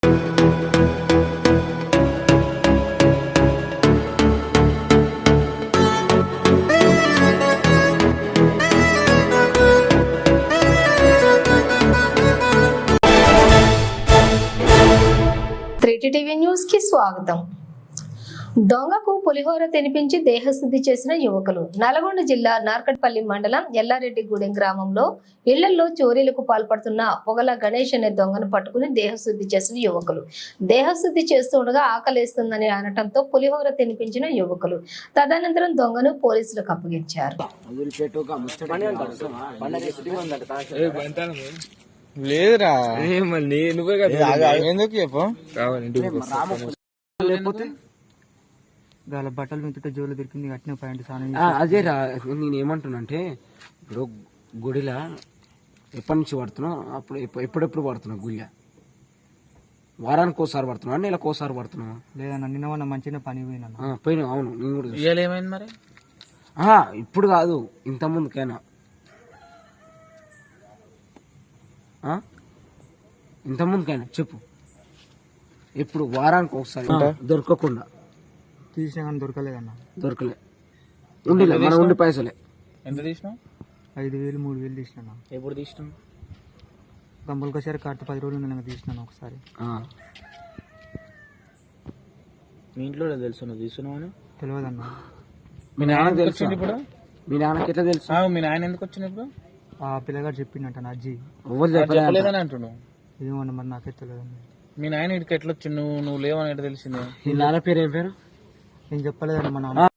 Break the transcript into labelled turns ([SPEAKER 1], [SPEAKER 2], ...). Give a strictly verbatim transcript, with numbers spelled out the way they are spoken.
[SPEAKER 1] TV news కి స్వాగతం. దొంగకు పులిహోర తినిపించి దేహశుద్ధి చేసిన యువకులు. నల్గొండ జిల్లా నార్కట్పల్లి మండలం ఎల్లారెడ్డిగూడెం గ్రామంలో ఇళ్లలో చోరీలకు పాల్పడుతున్న పొగల గణేష్ అనే దొంగను పట్టుకుని దేహశుద్ధి చేసిన యువకులు. దేహశుద్ధి చేస్తుండగా ఆకలేస్తుందని అనటంతో పులిహోర తినిపించిన యువకులు. తదనంతరం దొంగను పోలీసులకు అప్పగించారు.
[SPEAKER 2] లేదురా ఎందుకు చెప్పు
[SPEAKER 3] బట్టలు మించుంటే జోలు దొరికింది కట్టిన పాయింట్
[SPEAKER 4] అదే రా. నేను ఏమంటున్నానంటే ఇప్పుడు గుడిలా ఎప్పటి నుంచి పడుతున్నావు? అప్పుడు ఎప్పుడెప్పుడు పడుతున్నావు? గుళ్ళ వారానికి ఒకసారి పడుతున్నావు, నెలకు ఒకసారి పడుతున్నావు?
[SPEAKER 3] లేదన్నా, నిన్న మొన్న మంచిగా పని పోయినా
[SPEAKER 4] పోయినా. అవును, నేను కూడా
[SPEAKER 2] ఏమైంది మరి?
[SPEAKER 4] ఇప్పుడు కాదు, ఇంత ముందుకైనా ఇంత ముందుకైనా చెప్పు. ఇప్పుడు వారానికి ఒకసారి దొరకకుండా
[SPEAKER 3] తీసినా కానీ దొరకలేదన్నా.
[SPEAKER 4] దొరకలే ఉండిలే మన ఉండి పైసలే.
[SPEAKER 2] ఎంత తీసినావు?
[SPEAKER 3] ఐదు వేలు మూడు వేలు తీసినా.
[SPEAKER 2] ఎప్పుడు తీసినావు?
[SPEAKER 3] గంపలకోసారి కట్ట పది రోజులు నేను తీసినాను ఒకసారి.
[SPEAKER 2] మీ ఇంట్లో తెలుసు నువ్వు తీసుకున్నావు అని?
[SPEAKER 3] తెలియదన్నా.
[SPEAKER 4] మీ నాన్నకి తెలుసు
[SPEAKER 2] ఇప్పుడు?
[SPEAKER 4] మీ నాన్నకి ఎట్లా తెలుసు?
[SPEAKER 2] మీ నాయన ఎందుకు వచ్చింది ఇప్పుడు?
[SPEAKER 3] ఆ పిల్లగాడు చెప్పిండట నా అజ్జి.
[SPEAKER 2] చెప్పలేదని అంటున్నావు?
[SPEAKER 3] ఏమన్నా మరి నాకే తెలియదన్నా.
[SPEAKER 2] మీ నాయన ఇటుకి ఎట్లా వచ్చి నువ్వు నువ్వు లేవని ఎట్లా తెలిసిందే?
[SPEAKER 4] మీ నాన్న పేరు ఏం పేరు?
[SPEAKER 3] నేను చెప్పలేదన్నా మా నాన్న.